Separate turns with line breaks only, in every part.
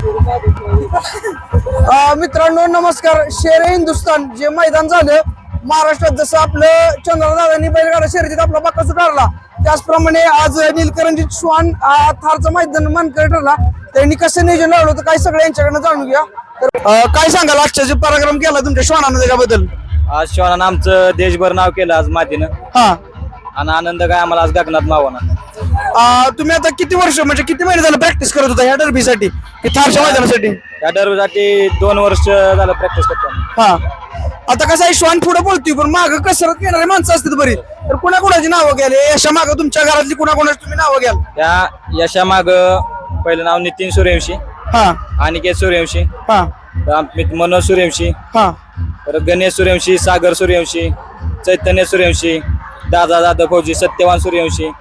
मित्रांनो नमस्कार. शेर हिंदुस्थान जे मैदान झालं महाराष्ट्रात, जसं आपलं चंद्रदादांनी बैलगाडा शर्यतीत आपला बक्कासूर ठरला, त्याचप्रमाणे आज नीलकरंजी श्वान थारचं मैदान मानकरी ठरला. त्यांनी कसं नियोजन लावलं होतं काय सगळं यांच्याकडनं जाणून घ्या. तर काय सांगाल आजच्या जे पराक्रम केला तुमच्या श्वानानं त्याच्याबद्दल?
आज श्वानानं आमचं देशभर नाव केलं आज मातीनं.
हा,
आणि आनंद काय आम्हाला आज गगनात मावना.
तुम्ही आता किती वर्ष म्हणजे किती महिने झालं प्रॅक्टिस करत होता ह्या डर्बीसाठी, थारच्या मैदानासाठी?
या डरबीसाठी 2 वर्ष झालं प्रॅक्टिस करतो.
हा, आता कसं आहे श्वान पुढे बोलतोय पण माग कसरत घेणारे माणसं असतात बरी, तर कुणाकुणाची नावं घ्याल यशा माग? तुमच्या घरातली कुणाकुणाची तुम्ही नावं घ्याल?
त्या यशामाग पहिलं नाव नितीन सूर्यवंशी,
हा
अनिकेत सूर्यवंशी,
हा
मनोज सूर्यवंशी,
हा
परत गणेश सूर्यवंशी, सागर सूर्यवंशी, चैतन्य सूर्यवंशी, दादा दादा फौजी, सत्यवान सूर्यवंशी.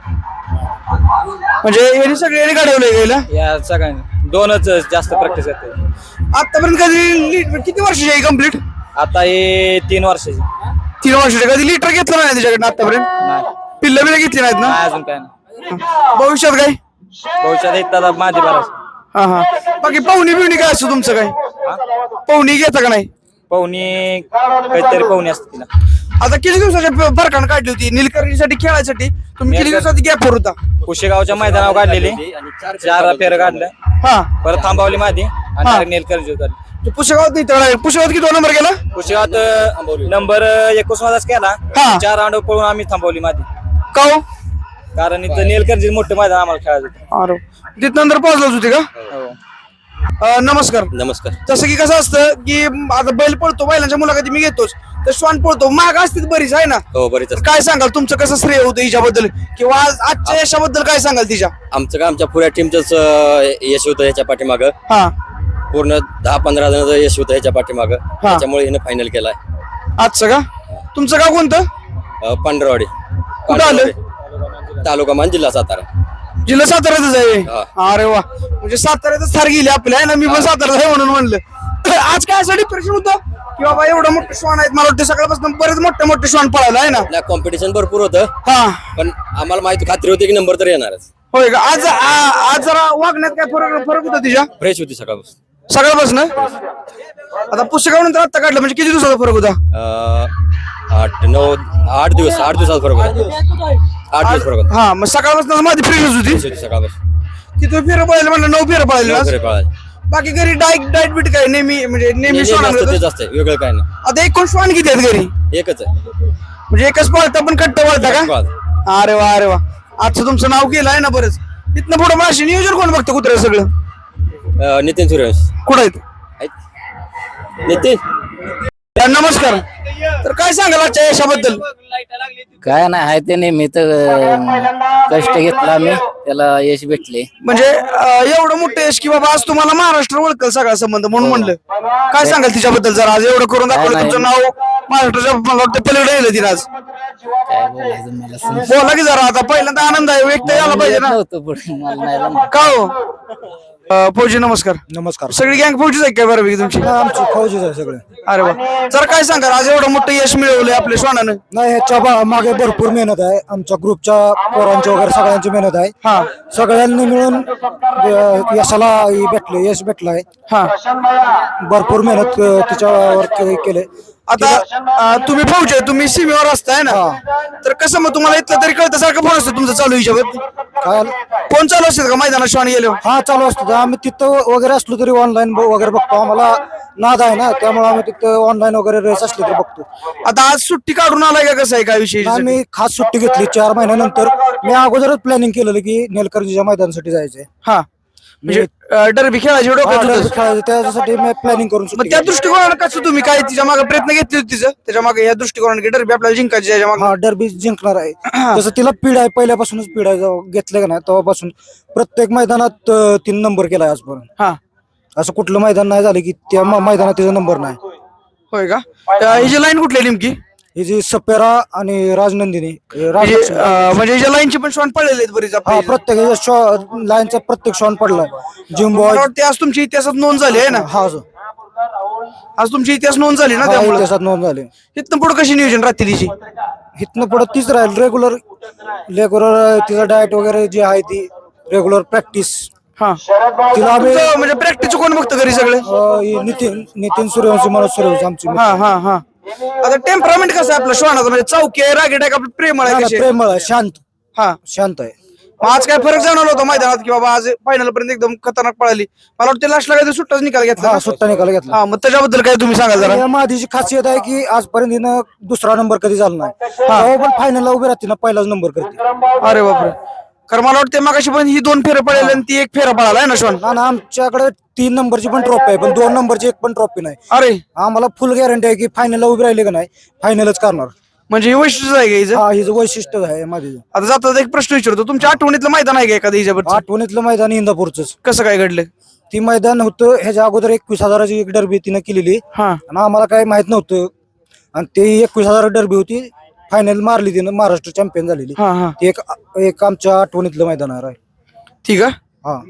म्हणजे हे सगळे घडवले गेलं.
या सगळ्यांनी 2च जास्त प्रॅक्टिस करते.
आतापर्यंत कधी किती वर्षाची आहे कम्प्लीट?
आता हे 3 वर्षाची.
3 वर्षाचे. कधी लिटर घेतलं नाही त्याच्याकडनं आतापर्यंत?
नाही
पिल्ल बिल्ल घेतली नाहीत ना?
नाही, अजून काय नाही.
भविष्यात काय?
भविष्यात येतात माझे बराच.
हा हा. बाकी पाहुणी बिवणी काय असतो तुमचं? काय पाहुणी घेता का नाही?
पाहुणी काहीतरी पाहुणी असते तिला.
आता किती दिवसाच्या फरकानं काढली होती नीलकर्णीसाठी खेळायसाठी? तुम्ही किती दिवसाची गॅपवर होता?
कुशेगावच्या मैदानावर काढलेली 4 फेर काढलं,
हा,
परत थांबवली मादी आणि नेलकर्जी काढली.
पुशेगावात नाही. पुशेगावात किती नंबर गेला?
कुशेगावात नंबर 19 केला.
हा.
4 राऊंड पळून आम्ही थांबवली मादी.
का हो?
कारण इथं नेलकर्जी मोठं मैदान आम्हाला खेळायचं होतं.
अरे, तिथं नंतर पोहोचलाच होती का? नमस्कार.
नमस्कार.
जसं की कसं असतं की आता बैल पळतो, बैलांच्या मुलाखती मी घेतोच, तर श्वान पळतो माग असते बरीच आहे ना?
हो, बरीच
तर काय सांगाल तुमचं कसं श्रेय होतं हिच्याबद्दल किंवा आजच्या यशाबद्दल काय सांगाल तिच्या?
आमचं काय आमच्या पुऱ्या टीमचंच यश होतं ह्याच्या पाठीमाग.
हा,
पूर्ण 10-15 जणांचं यश होतं ह्याच्या पाठीमाग. त्याच्यामुळे हिनं फायनल केलाय.
आजचं का? तुमचं गाव कोणतं?
पांढरवाडी.
कुठं आलं?
तालुका मान, जिल्हा सातारा.
जिल्हा साताऱ्यातच आहे.
हा.
अरे वा, म्हणजे साताऱ्यातच थार गेली आपल्या आहे ना. मी पण साताऱ्यात आहे म्हणून म्हणलं. आज काय असं डिप्रेशन होतं की बाबा एवढं मोठे श्वान आहेत? मला वाटतं सकाळपासून बरेच मोठे श्वान पळायला आहे ना.
कॉम्पिटिशन भरपूर होतं,
हा,
पण आम्हाला माहिती खात्री होती की नंबर तर येणारच.
होय का? आज जरा वागण्यात काय फरक होता तिच्या?
फ्रेश होती सकाळपासून.
सकाळपासून. आता पुस्तकावर नंतर आता काढलं म्हणजे किती दिवसाचा फरक होता?
8 दिवसाचा फरक होता. 8 दिवस फरक होता.
हा, मग सकाळपासून माझी फ्रेशच होती.
सकाळपासून
किती फेर पळायला म्हणलं? 9 फेर पळायला.
घरी पळायला.
बाकी घरी डाएट बीट काय नेहमी म्हणजे नेहमी श्वान आणलं?
तेच असतंय, वेगळं काय नाही.
आता एकूण श्वान किती आहेत घरी?
एकच आहे.
म्हणजे एकच पळता पण कट्ट पळता का?
पळता.
अरे वा, अरे वा. आजचं तुमचं नाव केलं आहे ना बरंच. इथनं पुढे माशी नियोजन कोण बघतं कुत्र्या सगळं?
नितीन सूर्यवंशी
कुठं आहेत?
नितीन.
नमस्कार. तर काय सांगाल आजच्या यशाबद्दल?
काय नाही आहे ते नेहमी तर कष्ट घेतला आम्ही, त्याला यश भेटले.
म्हणजे एवढं मोठं यश की बाबा आज तुम्हाला महाराष्ट्र ओळखल सगळा संबंध म्हणून म्हणलं. काय सांगाल तिच्याबद्दल जरा? आज एवढं करून दाखवलं तुमचं नाव महाराष्ट्राच्या मला वाटतं पलीकडे येईल तिला आज.
काय बोलायचं मला
बोला की जरा. आता पहिल्यांदा आनंद आहे व्यक्त यायला पाहिजे ना.
नव्हतं पुढे मला नाही जमलं.
का हो? फौजी नमस्कार.
नमस्कार.
सगळी गँग फौजीच आहे काय बरोबर तुमची?
आमची फौजीच आहे सगळे.
अरे वा. जरा काय सांगाल आज एवढं मोठं यश मिळवलंय आपल्या श्वानानं?
नाही, ह्याच्या मागे भरपूर मेहनत आहे. आमच्या ग्रुपच्या पोरांची वगैरे सगळ्यांची मेहनत आहे.
हा
सगळ्यांनी मिळून यशाला यश भेटलंय.
हा.
भरपूर मेहनत तिच्यावर केले.
आता तुम्ही फौजी आहे, तुम्ही सीमेवर असताय ना, तर कसं मग तुम्हाला इथलं तरी कळतं सारखं फोन असतो तुमचं चालू हिशोबात?
काय
फोन चालू असतात का मैदानात श्वान गेले?
हा, चालू असतो. आम्ही तिथं वगैरे असलो तरी ऑनलाईन वगैरे बघतो. आम्हाला नाद आहे ना, त्यामुळे आम्ही तिथं ऑनलाईन वगैरे रेस असले तरी बघतो.
आता आज सुट्टी काढून आलाय का? कसं आहे काय विषय?
आम्ही खास सुट्टी घेतली 4 महिन्यानंतर. मी अगोदरच प्लॅनिंग केलेलं की नेलकर्जीच्या मैदानासाठी जायचंय.
हा, म्हणजे डरबी खेळायची डोक्यात होतं.
त्यासाठी मी प्लॅनिंग करून
मग त्या दृष्टिकोनानं कसं तुम्ही काय तिच्या मागे प्रयत्न घेतले होते तिचं त्याच्या मागे या दृष्टिकोनाने की डरबी आपल्याला जिंकायची याच्या मागे?
हा, डरबी जिंकणार आहे. जसं तिला पीड आहे, पहिल्यापासूनच पीड आहे. जेव्हा घेतलं का नाही तेव्हापासून प्रत्येक मैदानात 3 नंबर केलाय आजपर्यंत.
हा,
असं कुठलं मैदान नाही झालं की त्या मैदानात तिचा नंबर नाही.
होय का? हिची लाईन कुठली आहे नेमकी?
ही जी सपेरा आणि राजनंदिनी
म्हणजे हिच्या लाईनची पण श्वान पडलेले आहेत बरीच
हा,
आपल्या.
प्रत्येक लाईनचा प्रत्येक शॉन पडलाय. जिम्बॉय
मला वाटतं आज तुमच्या इतिहासात नोंद झाली आहे ना?
हा,
आज तुमची इतिहास नोंद झाली ना त्यामुळे.
त्याच्यात नोंद झाली.
इथनं पुढे कशी नियोजन राहते तिची?
इथनं पुढे तीच राहील रेग्युलर तिचा डाएट वगैरे जी आहे ती रेग्युलर प्रॅक्टिस.
हा
तिला आम्ही
तुमचं म्हणजे प्रॅक्टिस कोण बघतं घरी सगळे
नितीन सूर्यवंशी मनोज सूर्यवंशी आमची
हा हा हा आता टेम्परामेंट कसं आहे आपलं श्वानाचं म्हणजे चौकी आहे रागीट आहे का आपलं प्रेमळ आहे कशी आहे?
प्रेमळ आहे, शांत
हा
शांत आहे.
मग आज काय फरक जाणवला होता मैदानात की बाबा आज फायनल पर्यंत एकदम खतरनाक पळाली मला वाटतं लास्टला काहीतरी सुट्टाच निकाल घेतला
हा
ना?
सुट्टा निकाल घेतला.
हा मग त्याच्याबद्दल काय तुम्ही सांगा जरा
या मादीची खासियत आहे की आजपर्यंत हिनं दुसरा नंबर कधी झाला नाही. तेव्हा पण फायनलला उभी राहते ना पहिलाच नंबर करते.
अरे बापरे कारण मला वाटतं मागाशी पण ही 2 फेरे पळाली आणि ती 1 फेरा पळाला आहे ना श्वान
ना आमच्याकडे 3 नंबरची पण ट्रॉफी आहे पण 2 नंबरची एक पण ट्रॉफी नाही.
अरे
आम्हाला फुल गॅरंटी आहे की फायनलला उभी राहिली का नाही फायनलच करणार.
म्हणजे हे वैशिष्ट्य आहे का हिचं?
हा हिचं वैशिष्ट्य आहे माझी.
आता जातात एक प्रश्न विचारतो तुमच्या आठवणीतलं मैदान आहे का एखादं हिच्याबद्दल
आठवणीतलं मैदान इंदापूरच.
कसं काय घडलं
ती मैदान होतं ह्याच्या अगोदर 21,000ची एक डरबी तिनं केलेली
हा
आणि आम्हाला काही माहित नव्हतं आणि ते 21,000 डरबी होती. फायनल मारली तिनं महाराष्ट्र चॅम्पियन झालेली.
हा हा
ते एक आमच्या आठवणीतलं मैदान आहे.
ठीक आहे
हा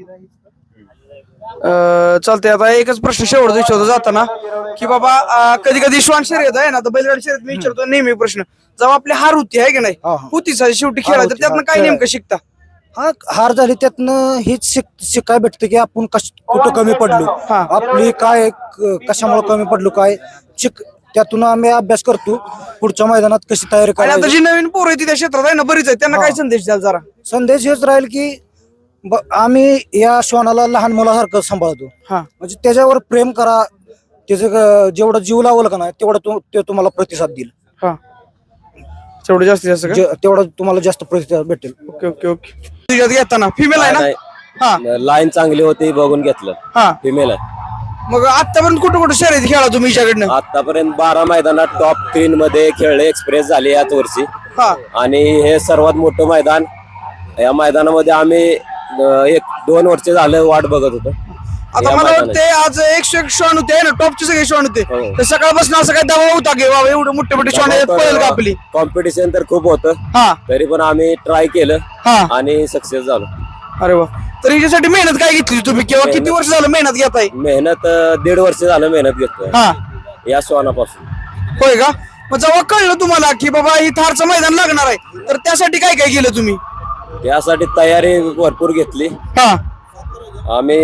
चालतंय आता एकच प्रश्न शेवट विचारतो जाताना की बाबा कधी कधी श्वान शर्यत आहे ना तर बैलगाडी शर्यत मी विचारतो नेहमी प्रश्न जेव्हा आपली हार होती आहे की नाही
हा, हा.
होती शेवटी खेळा तर
होती,
त्यातनं
हा,
काय
खेळ.
नेमकं शिकता
हा हार झाली त्यातनं हेच शिकाय भेटतं की आपण कुठं कमी पडलो
हा.
आपली काय कशामुळे कमी पडलो काय त्यातून आम्ही अभ्यास करतो पुढच्या मैदानात कशी तयारी
आणि आता
करायची.
जी नवीन पोरं आहे ती त्या क्षेत्रात आहे ना बरीच आहे त्यांना काय संदेश द्याल जरा
संदेश हेच राहील की आम्ही या श्वानाला लहान मुलासारखं सांभाळतो
हा
म्हणजे त्याच्यावर प्रेम करा त्याचं जेवढं जीव लावलं का नाही तेवढं ते तुम्हाला प्रतिसाद देईल.
हा तेवढं जास्तीत जास्त का
तेवढं तुम्हाला जास्त प्रतिसाद भेटेल.
ओके ओके ओके तुझ्यात घेताना फिमेल आहे ना हा
लाईन चांगली होती बघून घेतलं.
हा
फिमेल आहे.
मग आतापर्यंत कुठं कुठं शर्यत खेळा तुम्ही हिच्याकडनं
आतापर्यंत 12 मैदानात टॉप 3 मध्ये खेळले एक्सप्रेस झाले याच वर्षी
हा
आणि हे सर्वात मोठं मैदान. या मैदानामध्ये आम्ही 1-2 वर्ष झालं वाट बघत होतो.
आता मला वाटते आज 101 श्वान होते ना टॉपचे सगळे श्वान होते
हो.
तर सकाळपासून असं काय दबाव होता की बाबा एवढे मोठे मोठे श्वान आहेत पळेल का आपली
कॉम्पिटिशन तर खूप होतं
हा
तरी पण आम्ही ट्राय केलं
हा
आणि सक्सेस झालो.
अरे वा तर हिच्यासाठी मेहनत काय घेतली तुम्ही किंवा किती वर्ष झालं मेहनत घेताय
मेहनत 1.5 वर्ष झालं मेहनत घेतोय
हा
या श्वानापासून.
होय का मग जेव्हा कळलं तुम्हाला की बाबा ही थारचं मैदान लागणार आहे तर त्यासाठी काय काय केलं तुम्ही
त्यासाठी तयारी भरपूर घेतली.
हा
आम्ही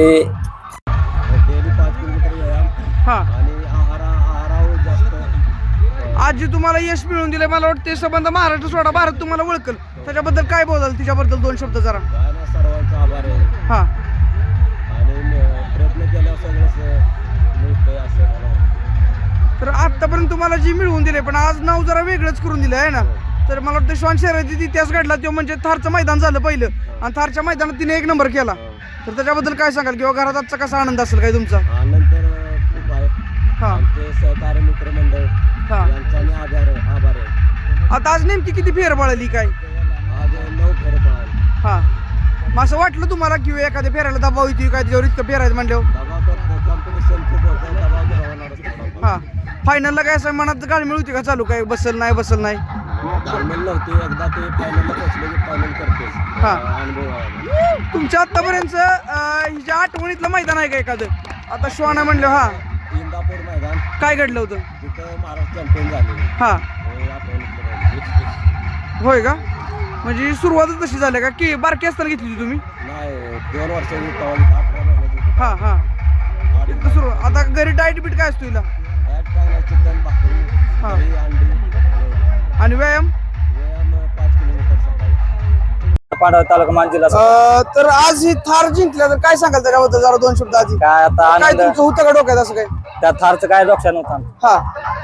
हा
आणि आहारावर जास्त
आज जे तुम्हाला यश मिळवून दिले मला वाटतं ते संबंध महाराष्ट्र सोडा भारत तुम्हाला ओळखल त्याच्याबद्दल काय बोलाल तिच्याबद्दल 2 शब्द जरा
सर्वांचा आभार आहे
हा
आणि प्रयत्न केल्यावर सगळं मिळतंय असं.
तर आतापर्यंत तुम्हाला जी मिळवून दिले पण आज नाव जरा वेगळंच करून दिलं आहे ना तर मला वाटतं श्वान शर्यतीत इतिहास घडला तो म्हणजे थारचं मैदान झालं पहिलं आणि थारच्या मैदानात तिने 1 नंबर केला तर त्याच्याबद्दल काय सांगाल किंवा घरात आजचा कसा आनंद असेल काय तुमचा
आनंद तर खूप आहे.
हा
आमचे सहकारी मित्रमंडळ
हा
यांचा मी आभार आहे.
आता आज नेमकी किती फेर पळाली काय
आज 9 फेरे पळाले.
हा मग असं वाटलं तुम्हाला की एखाद्या फेरायला दबाव येते काय त्याच्यावर इतकं फेरायचं म्हणल्यावर
दबाव तर कॉम्पिटिशन खूप होतं दबाव तर होणारच.
हा फायनलला काय असं मनात गाळमेळ होती का चालू काय बसल नाही
फायनल नव्हती एकदा ते फायनलला पोहोचले की फायनल करतेच.
हा.
अनुभव आहे.
तुमच्या आतापर्यंत हिच्या आठवणीतलं मैदान आहे का एखादं आता श्वाना म्हणलं हा
इंदापूर मैदान
काय घडलं होतं
तिथं महाराष्ट्र चॅम्पियन झाले.
हा
हे आठवणीत
होय का म्हणजे सुरुवातच तशी झाली का की बारकी असताना घेतली होती तुम्ही
नाही 2 वर्षांनी 18 महिन्याची
हा हा तिथं सुरू आता घरी डाएट बीट काय असतो हिला
काय नाही चिकन भाकरी
हा.
दही, अंडी
आणि व्यायाम
व्यायाम 5 किलोमीटर सकाळी.
पांढरा तालुका मान जिल्हा
तर आज ही थार जिंकल्या तर काय सांगाल त्याच्याबद्दल जरा 2 शब्द आधी
काय आता
काय
आनंद
तुमचं होतं का डोक्यात असं काय
त्या थारचं काय लक्षात नव्हतं
हा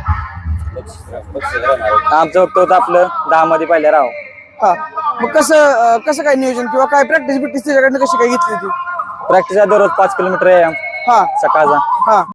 आमचं होतं आपलं 10 मध्ये पहिले राव
हा मग कसं काय नियोजन किंवा काय प्रॅक्टिस बिक्टिस त्याच्याकडनं कशी काय घेतली होती
प्रॅक्टिस आहे दररोज 5 किलोमीटर आहे
हा
सकाळचा
हा